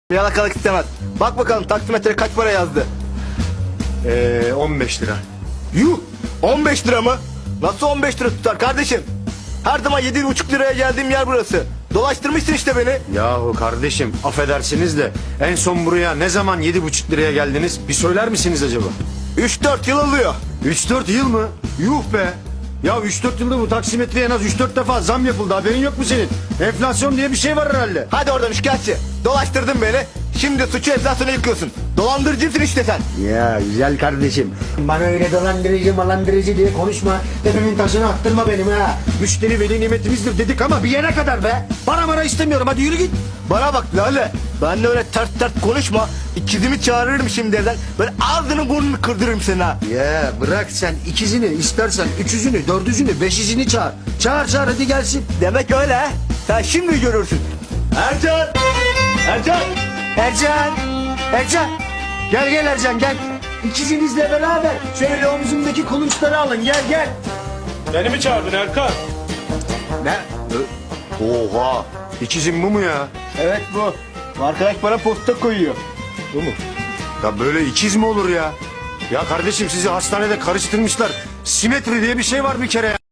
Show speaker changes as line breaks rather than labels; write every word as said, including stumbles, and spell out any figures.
Yalakalık istemez. Bak bakalım taksimetre kaç para yazdı?
Eee on beş lira.
Yuh! on beş lira mı? Nasıl on beş lira tutar kardeşim? Her zaman yedi buçuk liraya geldiğim yer burası. Dolaştırmışsın işte beni.
Yahu kardeşim affedersiniz de en son buraya ne zaman yedi buçuk liraya geldiniz? Bir söyler misiniz acaba?
üç dört yıl oluyor.
Üç dört yıl mı? Yuh be! Ya üç dört yılda bu taksimetreye en az üç dört defa zam yapıldı. Haberin yok mu senin? Enflasyon diye bir şey var herhalde.
Hadi oradan şikayetçi. Dolaştırdın beni. Şimdi suçu enflasyona yıkıyorsun. Dolandırıcısın işte sen.
Ya güzel kardeşim. Bana öyle dolandırıcı malandırıcı diye konuşma. Tepemin taşını attırma benim ha.
Müşteri veli nimetimizdir dedik ama bir yere kadar be. Para mara istemiyorum, hadi yürü git.
Bana bak Lale. Ben de öyle ters ters konuşma. İkizimi çağırırım şimdi evden. Böyle ağzını burnunu kırdırırım seni ha.
Ya bırak sen ikizini, istersen üçüzünü, dördüzünü, beşizini çağır. Çağır çağır hadi gelsin.
Demek öyle ha. Sen şimdi görürsün. Ercan! Ercan!
Ercan! Ercan! Gel gel Ercan gel. İkizinizle beraber şöyle omzumdaki kulunçları alın gel gel.
Beni mi çağırdın Erkan?
Ne?
Oha! İkizim bu mu ya?
Evet bu. Bu arkadaş bana posta koyuyor.
Bu mu? Ya böyle ikiz mi olur ya? Ya kardeşim sizi hastanede karıştırmışlar. Simetri diye bir şey var bir kere ya.